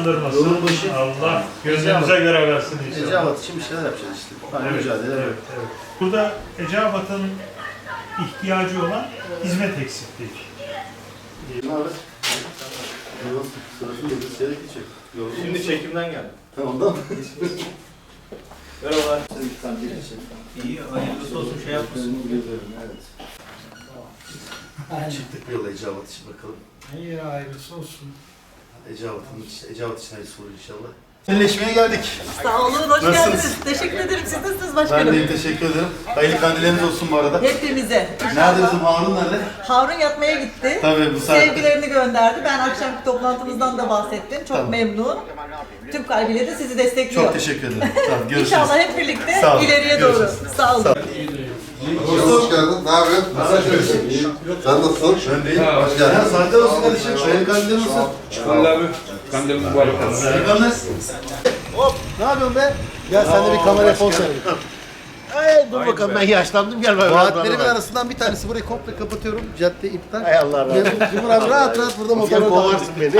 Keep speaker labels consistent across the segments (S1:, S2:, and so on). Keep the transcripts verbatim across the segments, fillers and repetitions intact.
S1: utandırmasın.
S2: Yolun başı.
S1: Allah gözünüze göre versin inşallah.
S2: Eceabat için bir şeyler yapacağız işte. Hani
S1: Evet,
S2: mücadele.
S1: evet, evet. Burada Eceabat'ın ihtiyacı olan hizmet eksikliği.
S2: Ne haber? Yok, sırasını da bir seyret geçecek.
S3: Şimdi çekimden geldim.
S2: Tamam, ondan mı?
S3: Merhabalar.
S2: Sen bir tane gelirsin.
S3: İyi, hayırlısı olsun şey yapmasın.
S2: Evet. Çıktık bir yola Eceabat için bakalım.
S4: İyi hayırlısı olsun.
S2: Eceabat'ın işte, Eceabat için hayırlısı olur inşallah. Seninleşmeye geldik.
S5: Sağ olun, hoş
S2: Nasılsınız?
S5: geldiniz. Teşekkür ederim. Siz nasılsınız
S2: Ben
S5: başkanım?
S2: de teşekkür ederim. Hayırlı kandilleriniz olsun bu arada.
S5: Hepimize.
S2: Nerede bizim Harun nerede?
S5: Harun yatmaya gitti.
S2: Tabii bu saatte.
S5: Sevgilerini gönderdi. Ben akşamki toplantımızdan da bahsettim. Çok
S2: Tamam.
S5: memnun. Tüm kalbiyle de sizi destekliyor.
S2: Çok teşekkür ederim. Tamam, görüşürüz.
S5: İnşallah hep birlikte
S2: Sağ olun.
S5: ileriye doğru.
S2: Görüşürüz.
S5: Sağ olun.
S2: Sağ olun.
S6: Hoş geldin. Ne yapıyorsun? Nasılsın? İyi. Sen nasılsın?
S2: Ben değil. Hoş geldin. Ya saatler olsun kardeşim. Hayırlı kandiller olsun.
S7: Vallahi abi, kandil mübarek olsun.
S2: Eyvallah.
S4: Hop, ne yapıyorsun be? Gel sen de bir kameraya poz ver. Ay dur bakalım ben yaşlandım gel bakalım.
S2: Vaatlerimin arasından bir tanesi burayı komple kapatıyorum. Cadde iptal.
S4: Hay Allah razı olsun. Cumhur abi rahat rahat burada motorla kovarsın beni.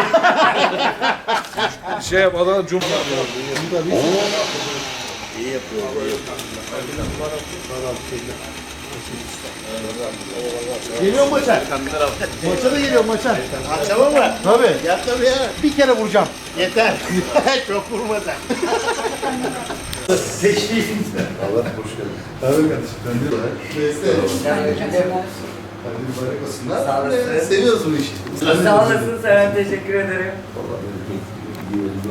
S7: Şey yap, Adana Cumhur.
S4: Geliyor maça. Maça da geliyor maça. Akşama mı? Tabii. Ya tabii ya. Bir kere vuracağım. Yeter. Çok vurma sen.
S2: Teşvik.
S6: Allah hoş geldin.
S2: Tabii kardeşim. Ben de var. Neyse. Hadi mübarek olsunlar. Sağ olasın. Seviyoruz bu işi.
S8: Sağ olasın Seren, teşekkür ederim.
S6: Vallahi